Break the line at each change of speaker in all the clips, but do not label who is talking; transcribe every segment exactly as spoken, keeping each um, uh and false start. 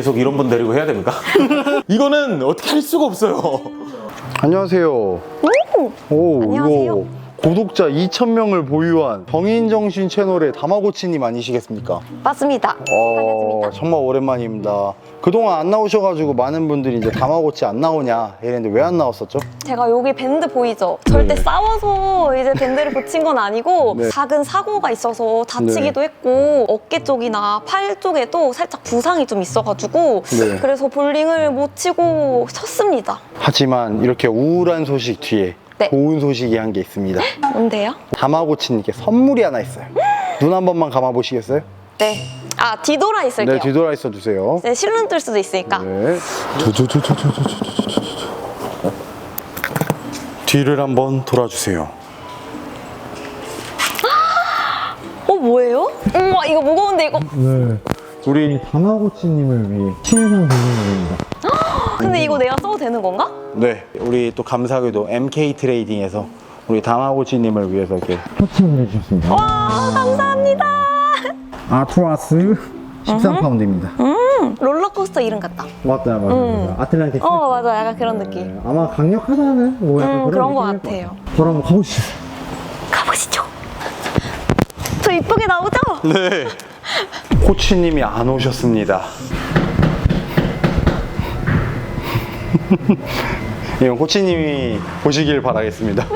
계속 이런 분 데리고 해야 됩니까? 이거는 어떻게 할 수가 없어요.
안녕하세요.
오!
오,
안녕하세요.
이거 구독자 이천 명을 보유한 정인정신 채널의 다마고치님 아니시겠습니까?
맞습니다.
어,
반갑습니다.
정말 오랜만입니다. 그동안 안 나오셔가지고 많은 분들이 이제 다마고치 안 나오냐 이랬는데 왜 안 나왔었죠?
제가 여기 밴드 보이죠? 절대
네.
싸워서 이제 밴드를 붙인 건 아니고
네.
작은 사고가 있어서 다치기도 했고 어깨 쪽이나 팔 쪽에도 살짝 부상이 좀 있어가지고
네.
그래서 볼링을 못 치고 쳤습니다.
하지만 이렇게 우울한 소식 뒤에
네.
좋은 소식이 한 게 있습니다.
뭔데요?
다마고치님께 선물이 하나 있어요. 눈 한 번만 감아보시겠어요?
네. 아, 뒤돌아 있을게요.
네, 뒤돌아 있어 주세요.
네, 실눈 뜰 수도 있으니까.
네. 뒤를 한번 돌아주세요.
어, 뭐예요? 우와, 이거 무거운데 이거.
네. 우리 다마고치님을 위해 신상 공연입니다.
근데 이거 내가 써도 되는 건가?
네, 우리 또 감사하게도 엠케이 트레이딩에서 우리 다마고치님을 위해서 이렇게 협찬을 해주셨습니다.
와, 감사합니다.
아트라스 십삼 파운드입니다.
음, 롤러코스터 이름 같다.
맞다, 맞다.
음.
아틀란틱.
어, 맞아. 약간 그런 느낌.
네, 아마 강력하다는 뭐 약간
음,
그런
그런 거
느낌일
같아요.
같아요. 저랑 한번 가보시죠.
가보시죠. 저 이쁘게 나오죠?
네. 코치님이 안 오셨습니다. 이건 코치님이 오시길 바라겠습니다.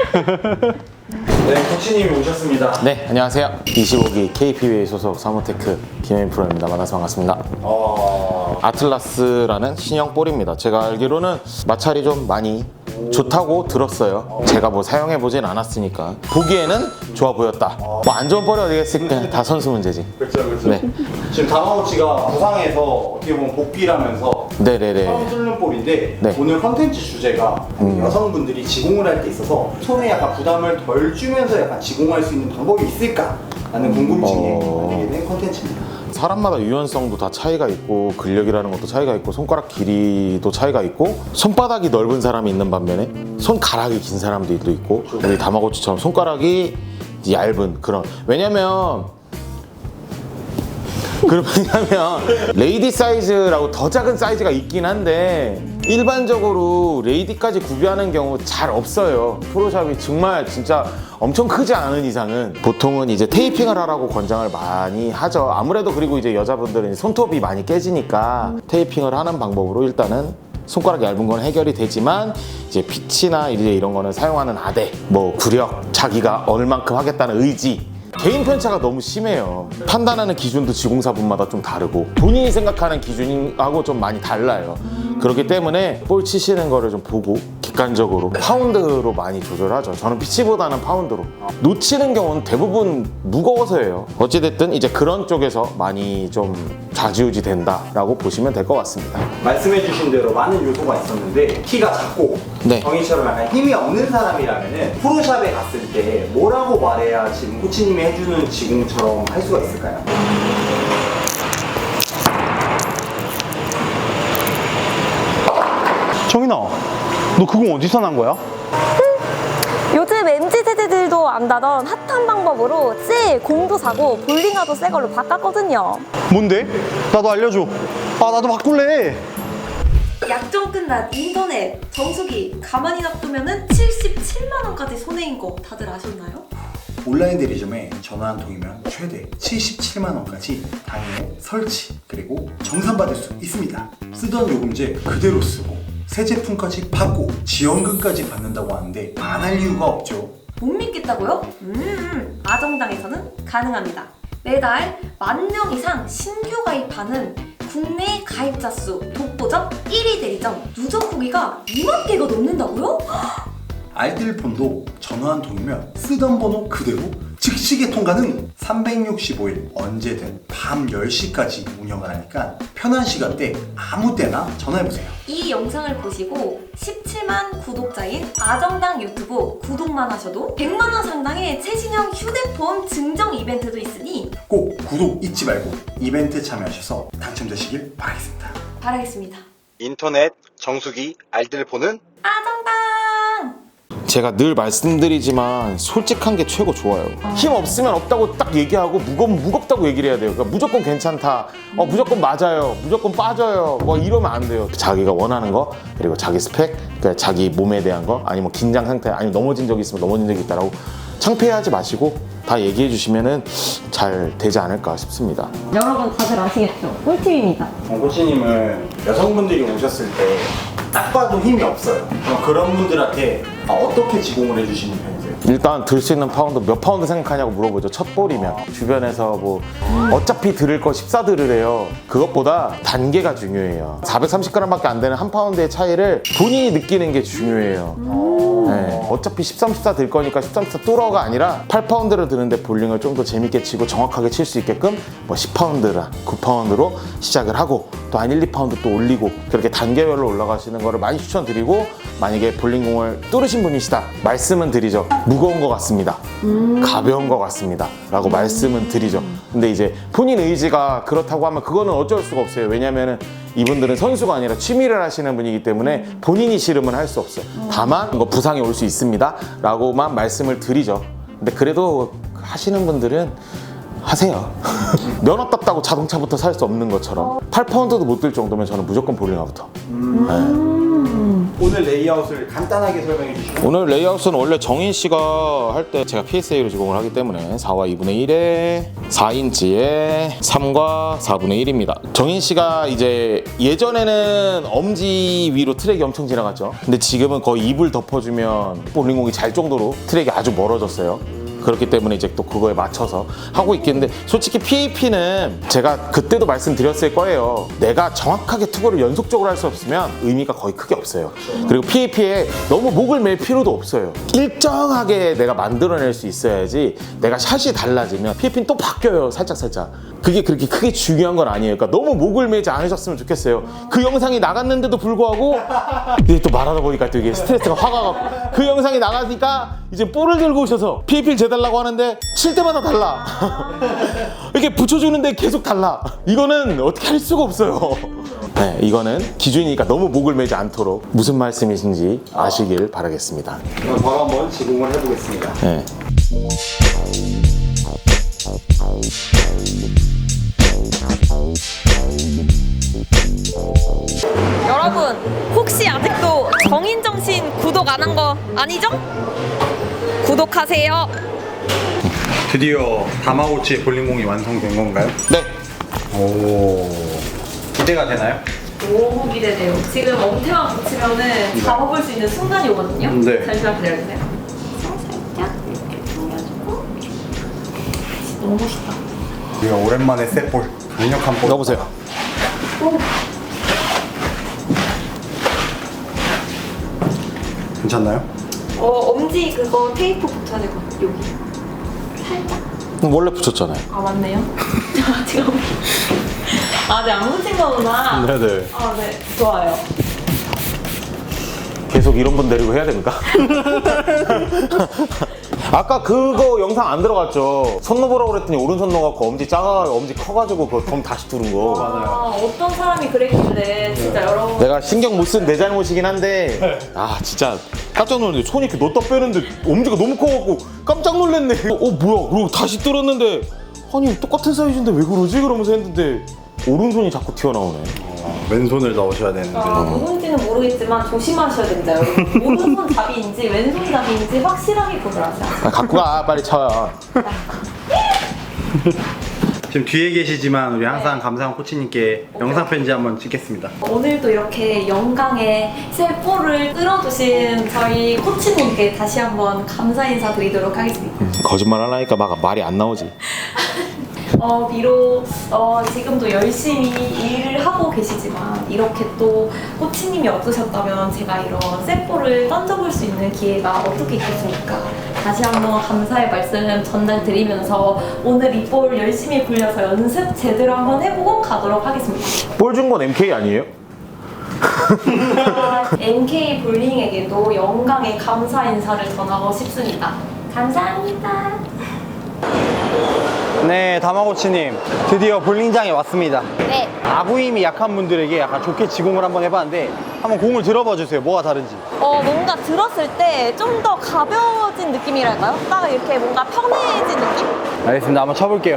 네, 코치님이 오셨습니다.
네, 안녕하세요. 이십오 기 케이피비에이 소속 사모테크 김혜민 프로입니다. 만나서 반갑습니다.
어...
아틀라스라는 신형 볼입니다. 제가 알기로는 마찰이 좀 많이 좋다고 들었어요. 제가 뭐 사용해보진 않았으니까 보기에는 좋아 보였다. 뭐 안 좋은 볼이 어디겠습니까? 다 선수 문제지.
그렇죠, 그렇죠.
네.
지금 다마고치가 부상해서 어떻게 보면 복귀라면서
네네네.
처음 뚫는 볼인데
네.
오늘 컨텐츠 주제가 여성분들이 지공을 할 때 있어서 손에 약간 부담을 덜 주면서 약간 지공할 수 있는 방법이 있을까? 라는 궁금증에
어.
만들게 된 컨텐츠입니다.
사람마다 유연성도 다 차이가 있고 근력이라는 것도 차이가 있고 손가락 길이도 차이가 있고 손바닥이 넓은 사람이 있는 반면에 손가락이 긴 사람들도 있고 우리 다마고치처럼 손가락이 얇은 그런 왜냐면 그럼 왜냐면 레이디 사이즈라고 더 작은 사이즈가 있긴 한데 일반적으로 레이디까지 구비하는 경우 잘 없어요. 프로샵이 정말 진짜 엄청 크지 않은 이상은 보통은 이제 테이핑을 하라고 권장을 많이 하죠. 아무래도 그리고 이제 여자분들은 손톱이 많이 깨지니까 테이핑을 하는 방법으로 일단은 손가락 얇은 건 해결이 되지만 이제 피치나 이제 이런 거는 사용하는 아대, 뭐 구력, 자기가 얼만큼 하겠다는 의지 개인 편차가 너무 심해요. 판단하는 기준도 지공사분마다 좀 다르고 본인이 생각하는 기준하고 좀 많이 달라요. 그렇기 때문에 볼 치시는 거를 좀 보고 객관적으로 파운드로 많이 조절하죠. 저는 피치보다는 파운드로. 놓치는 경우는 대부분 무거워서예요. 어찌됐든 이제 그런 쪽에서 많이 좀 좌지우지 된다라고 보시면 될 것 같습니다.
말씀해주신 대로 많은 요소가 있었는데 키가 작고
네.
정희처럼 약간 힘이 없는 사람이라면 프로샵에 갔을 때 뭐라고 말해야 지금 코치님이 해주는 지공처럼 할 수가 있을까요? 정인아, 너 그거 어디서 난 거야?
요즘 엠지 세대들도 안다던 핫한 방법으로 씨 공도 사고 볼링화도 새 걸로 바꿨거든요.
뭔데? 나도 알려줘. 아, 나도 바꿀래.
약정 끝난 인터넷 정수기 가만히 놔두면은 칠십칠만 원까지 손해인 거 다들 아셨나요?
온라인 대리점에 전화 한 통이면 최대 칠십칠만 원까지 당일 설치 그리고 정산받을 수 있습니다. 쓰던 요금제 그대로 쓰고 새 제품까지 받고 지원금까지 받는다고 하는데 안 할 이유가 없죠.
못 믿겠다고요? 음, 아정당에서는 가능합니다. 매달 만 명 이상 신규 가입하는 국내 가입자 수 독보적 일 위 대리점 누적 후기가 이만 개가 넘는다고요?
알뜰폰도 전화 한 통이면 쓰던 번호 그대로 즉시 개통 가능! 삼백육십오 일 언제든 밤 열 시까지 운영을 하니까 편한 시간대 아무 때나 전화해보세요.
이 영상을 보시고 십칠만 구독자인 아정당 유튜브 구독만 하셔도 백만 원 상당의 최신형 휴대폰 증정 이벤트도 있으니
꼭 구독 잊지 말고 이벤트 참여하셔서 당첨되시길 바라겠습니다.
바라겠습니다.
인터넷 정수기 알뜰폰은
아정당!
제가 늘 말씀드리지만 솔직한 게 최고 좋아요. 힘 없으면 없다고 딱 얘기하고 무거우면 무겁다고 얘기를 해야 돼요. 그러니까 무조건 괜찮다, 어, 무조건 맞아요, 무조건 빠져요, 뭐 이러면 안 돼요. 자기가 원하는 거, 그리고 자기 스펙, 그러니까 자기 몸에 대한 거, 아니면 긴장 상태, 아니면 넘어진 적이 있으면 넘어진 적이 있다라고 창피해하지 마시고 다 얘기해 주시면은 잘 되지 않을까 싶습니다.
여러분 다들 아시겠죠? 꿀팁입니다.
어, 코치님은 여성분들이 오셨을 때 딱 봐도 힘이 없어요. 그럼 그런 분들한테 아, 어떻게 지공을 해주시는 편이세요?
일단 들 수 있는 파운드 몇 파운드 생각하냐고 물어보죠. 첫 볼이면 주변에서 뭐 어차피 들을 거 십사 들으래요. 그것보다 단계가 중요해요. 사백삼십 그램밖에 안 되는 한 파운드의 차이를 본인이 느끼는 게 중요해요. 네, 어차피 십삼, 십사 들 거니까 십삼, 십사 뚫어가 아니라 팔 파운드를 드는데 볼링을 좀 더 재밌게 치고 정확하게 칠 수 있게끔 뭐 십 파운드나 구 파운드로 시작을 하고 또 한 일, 이 파운드 또 올리고 그렇게 단계별로 올라가시는 거를 많이 추천드리고, 만약에 볼링공을 뚫으신 분이시다 말씀은 드리죠. 무거운 것 같습니다. 가벼운 것 같습니다. 라고 말씀은 드리죠. 근데 이제 본인 의지가 그렇다고 하면 그거는 어쩔 수가 없어요. 왜냐면은 이분들은 선수가 아니라 취미를 하시는 분이기 때문에 본인이 싫으면 할 수 없어요. 다만 이거 부상이 올 수 있습니다 라고만 말씀을 드리죠. 근데 그래도 하시는 분들은 하세요. 면허 땄다고 자동차부터 살 수 없는 것처럼 팔 파운드도 못 들 정도면 저는 무조건 볼링화부터. 네.
오늘 레이아웃을 간단하게 설명해 주시고.
오늘 레이아웃은 원래 정인 씨가 할 때 제가 피에스에이로 제공을 하기 때문에 사와 이분의 일에 사 인치에 삼과 사분의 일입니다. 정인 씨가 이제 예전에는 엄지 위로 트랙이 엄청 지나갔죠. 근데 지금은 거의 입을 덮어주면 볼링공이 잘 정도로 트랙이 아주 멀어졌어요. 그렇기 때문에 이제 또 그거에 맞춰서 하고 있겠는데, 솔직히 피에이피는 제가 그때도 말씀드렸을 거예요. 내가 정확하게 투구를 연속적으로 할 수 없으면 의미가 거의 크게 없어요. 그리고 피에이피에 너무 목을 맬 필요도 없어요. 일정하게 내가 만들어낼 수 있어야지. 내가 샷이 달라지면 피에이피는 또 바뀌어요, 살짝살짝. 그게 그렇게 크게 중요한 건 아니에요. 그러니까 너무 목을 매지 않으셨으면 좋겠어요. 그 영상이 나갔는데도 불구하고 이제 또 말하다 보니까 또 이게 스트레스가 화가 가고, 그 영상이 나가니까 이제 볼을 들고 오셔서 피에이피를 재달라고 하는데 칠 때마다 달라. 이렇게 붙여주는데 계속 달라. 이거는 어떻게 할 수가 없어요. 네, 이거는 기준이니까 너무 목을 매지 않도록 무슨 말씀이신지 아시길 바라겠습니다.
그럼 바로 한번 지공을 해보겠습니다.
네.
여러분 혹시 아직도 정인정신 구독 안 한 거 아니죠? 구독하세요.
드디어 다마고치 볼링공이 완성된 건가요?
네.
오, 기대가 되나요?
너무 기대돼요. 지금 엄태만 붙이면은 잡아볼 수 있는 순간이 오거든요.
네.
잠시만 기다려주세요. 살짝 이렇게 돌려주고. 너무 멋있다.
우리가 오랜만에 셋볼, 강력한 볼.
넣어보세요.
괜찮나요?
어, 엄지 그거 테이프 붙여야 될 것 같아요. 여기. 살짝.
원래 붙였잖아요.
아, 맞네요. 아, 지금. 아, 네, 안 붙인 거구나.
네네.
아, 네. 좋아요.
계속 이런 분 데리고 해야 됩니까? 아까 그거 영상 안 들어갔죠? 손 넣으라고 그랬더니 오른손 넣어갖고 엄지 작아, 엄지 커가지고 그거 검 다시 두른 거.
아, 어떤 사람이 그랬길래 진짜 여러분.
내가 신경 못 쓴 내 잘못이긴 한데, 아 진짜 깜짝 놀랐는데 손이 이렇게 넣었다 빼는데 엄지가 너무 커갖고 깜짝 놀랐네. 어 뭐야? 그리고 다시 뚫었는데 아니 똑같은 사이즈인데 왜 그러지? 그러면서 했는데 오른손이 자꾸 튀어나오네.
어, 왼손을 넣으셔야 되는데.
아, 누군지는 모르겠지만 조심하셔야 됩니다, 여러분. 오른손 잡이인지 왼손 잡이인지 확실하게 구별하세요.
아, 갖고 가 빨리 쳐요.
지금 뒤에 계시지만 우리 항상 감사한 코치님께 영상 편지 한번 찍겠습니다.
오늘도 이렇게 영광의 새 볼을 뚫어주신 저희 코치님께 다시 한번 감사 인사 드리도록 하겠습니다.
거짓말 하려니까 막 말이 안 나오지.
어, 비록 어, 지금도 열심히 일을 하고 계시지만 이렇게 또 코치님이 없으셨다면 제가 이런 셋볼을 던져볼 수 있는 기회가 어떻게 있겠습니까? 다시 한번 감사의 말씀 전달드리면서 오늘 이 볼 열심히 굴려서 연습 제대로 한번 해보고 가도록 하겠습니다.
볼 준 건 엠케이 아니에요?
엠케이 볼링에게도 영광의 감사 인사를 전하고 싶습니다. 감사합니다.
네, 다마고치님 드디어 볼링장에 왔습니다.
네.
아구 힘이 약한 분들에게 약간 좋게 지공을 한번 해봤는데 한번 공을 들어봐 주세요. 뭐가 다른지.
어, 뭔가 들었을 때 좀 더 가벼워진 느낌이랄까요? 딱 이렇게 뭔가 편해진 느낌?
알겠습니다. 한번 쳐볼게요.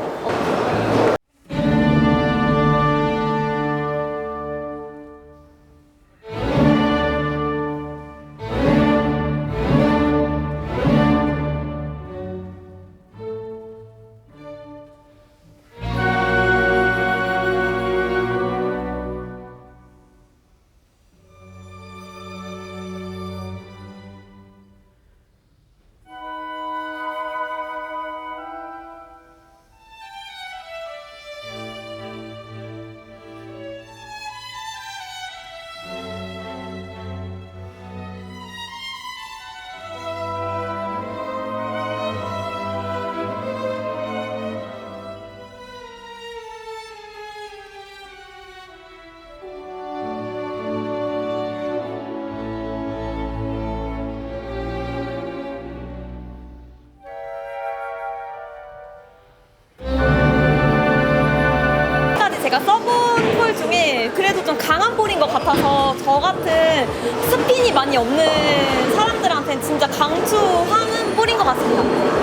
지금까지 제가 써본 볼 중에 그래도 좀 강한 볼인 것 같아서 저 같은 스핀이 많이 없는 사람들한테는 진짜 강추하는 볼인 것 같습니다.